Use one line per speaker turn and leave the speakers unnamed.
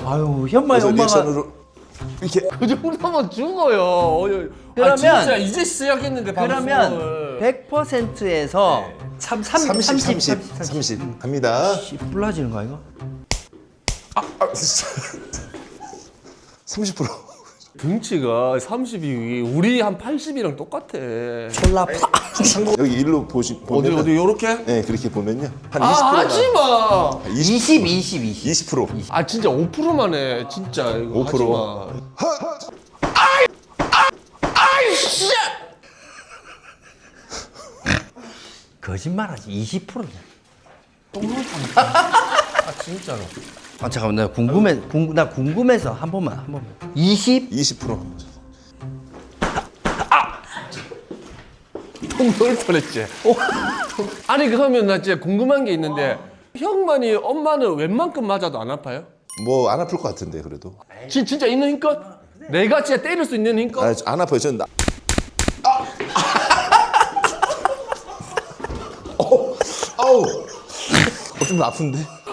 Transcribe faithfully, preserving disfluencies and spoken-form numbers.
아유 현마의
그래서
엄마가
리액션으로 이렇게
그 정도면 죽어요. 어,
그러면-
아, 진짜 이제 시작했는데
그러면
방송을.
백 퍼센트에서 참
삼십,
삼십,
삼십, 삼십 갑니다.
불러지는 거 이거?
아, 진짜. 삼십 퍼센트.
등치가 삼십이 우리 한 팔십이랑 똑같아.
졸라 파.
여기 일로 보시
어디
보면
어디 요렇게?
네 그렇게 보면요 한
아
이십 퍼센트가
하지 마.
이십, 이십, 이십.
이십 퍼센트.
아 진짜 오 퍼센트만 해. 진짜 이거
오 퍼센트.
하지 마. 아이 아 아이 씨.
거짓말하지 이십 퍼센트야.
아 진짜로.
아 잠깐만 나 궁금해 궁, 나 궁금해서 한 번만 한 번만. 이십?
이십 퍼센트.
통 넣을 뻔했지. 아니 그러면 나 진짜 궁금한 게 있는데 형만이 엄마는 웬만큼 맞아도 안 아파요?
뭐 안 아플 것 같은데 그래도.
진, 진짜 있는 힘껏? 내가 진짜 때릴 수 있는 힘껏?
아, 안 아파요. 저는 나... 아! 어, 아우, 어, 좀 아픈데.